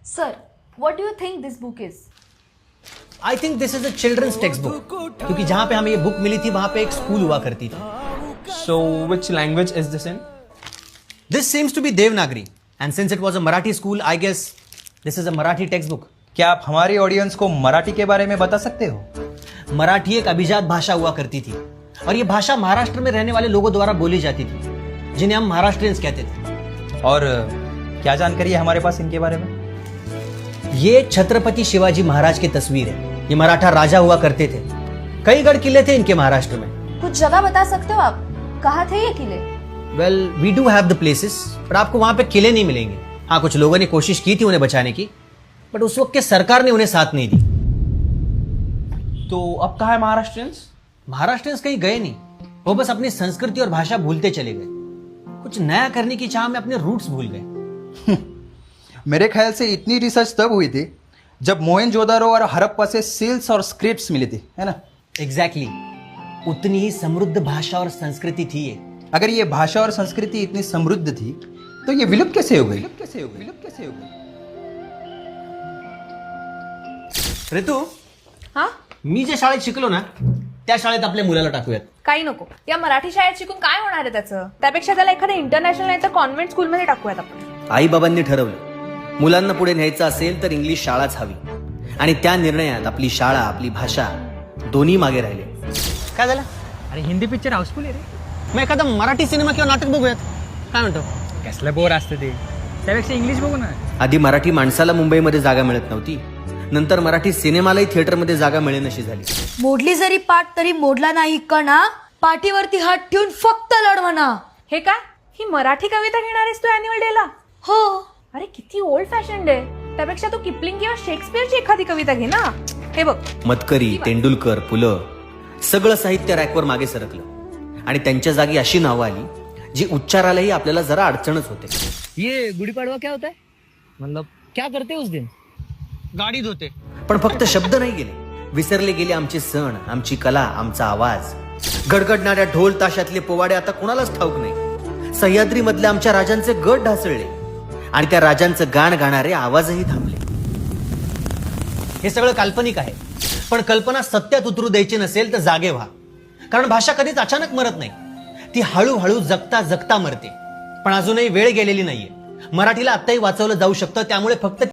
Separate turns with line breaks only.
Sir, what do you think this book is?
I think this is a children's text book, क्योंकि जहां पे हमें ये book milli थी वहां पे एक स्कूल हुआ करती थी.
So, which language is this in?
This seems to be Devanagari, and since it was a Marathi school, I guess this is a Marathi text book.
क्या आप हमारी ऑडियंस को मराठी के बारे में बता सकते हो?
मराठी एक अभिजात भाषा हुआ करती थी, और ये भाषा महाराष्ट्र में रहने वाले लोगों द्वारा बोली जाती थी, जिन्हें हम महाराष्ट्रियंस कहते थे.
और क्या जानकारी है हमारे पास इनके बारे में?
ये छत्रपति शिवाजी महाराज की तस्वीर है. ये मराठा राजा हुआ करते थे. कई गढ़ किले थे इनके महाराष्ट्र में.
कुछ जगह बता सकते हो आप? कहाँ थे ये किले?
Well, we do have the places, पर आपको वहां पे किले नहीं मिलेंगे. हाँ, कुछ लोगों ने कोशिश की थी उन्हें बचाने की, बट उस वक्त के सरकार ने उन्हें साथ नहीं दी.
तो अब कहाँ है महाराष्ट्रियंस?
महाराष्ट्रियंस कहीं गए नहीं, वो बस अपनी संस्कृति और भाषा भूलते चले गए. कुछ नया करने की चाह में अपने रूट्स भूल गए.
मेरे ख्याल से इतनी रिसर्च तब हुई थी जब मोहनजोदारो और हड़प्पा से सील्स और स्क्रिप्ट्स मिली थी, है ना?
एग्जैक्टली. उतनी ही समृद्ध भाषा और संस्कृति थी ये.
अगर ये भाषा और संस्कृति इतनी समृद्ध थी तो ये विलुप्त कैसे हो गई?
ऋतू,
हा?
मी जे शाळेत शिकलो ना, त्या शाळेत आपल्या मुलाला टाकूयात.
काही नको. या मराठी शाळेत शिकून काय होणार आहे त्याचं? त्यापेक्षा त्याला एखाद्या इंटरनॅशनल नाही तर कॉन्व्हेंट स्कूलमध्ये टाकूयात आपण.
आई बाबांनी ठरवलं, मुलांना पुढे न्यायचं असेल तर इंग्लिश शाळाच हवी, आणि त्या निर्णयात आपली शाळा, आपली भाषा दोन्ही मागे राहिले. काय झालं?
अरे हिंदी पिक्चर हाऊसफुल आहे रे.
मग एखादा मराठी सिनेमा किंवा नाटक बघूयात. काय म्हणतो?
कसलं बोर असतं ते, त्यापेक्षा इंग्लिश बघू ना.
आधी मराठी माणसाला मुंबईमध्ये जागा मिळत नव्हती, नंतर मराठी सिनेमालाही थिएटरमध्ये जागा मिळेनशी झाली.
मोडली जरी पाठ तरी मोडला नाही कणा, पाठीवरती हात ठेवून फक्त लढ म्हणा.
हे काय? ही मराठी कविता घेणार आहेस तू अॅन्युअल डेला?
हो.
अरे किती ओल्ड फॅशन आहे. त्यापेक्षा तू किपलिंग किंवा शेक्सपियरची एखादी कविता घे ना. हे बघ,
मतकरी, तेंडुलकर, पुलं सगळं साहित्य रॅकवर मागे सरकलं, आणि त्यांच्या जागी अशी नावं आली जी उच्चारालाही आपल्याला जरा अडचणच होते.
ये गुड़ी पड़वा क्या होता है, मतलब क्या करते उस दिन?
गाडी धुते. पण फक्त शब्द नाही गेले, विसरले गेले आमचे सण, आमची कला, आमचा आवाज. गडगडणाऱ्या ढोल ताशातले पोवाडे आता कोणालाच ठाऊक नाही. सह्याद्री मधल्या आमच्या राजांचे गट ढासळले, आणि त्या राजांचं गाण गाणारे आवाजही थांबले. हे सगळं काल्पनिक आहे, पण कल्पना सत्यात उतरू द्यायची नसेल तर जागे व्हा. कारण भाषा कधीच अचानक मरत नाही, ती हळूहळू जगता जगता मरते. पण अजूनही वेळ गेलेली नाहीये. मराठीला आत्ताही वाचवलं जाऊ शकतं. त्यामुळे फक्त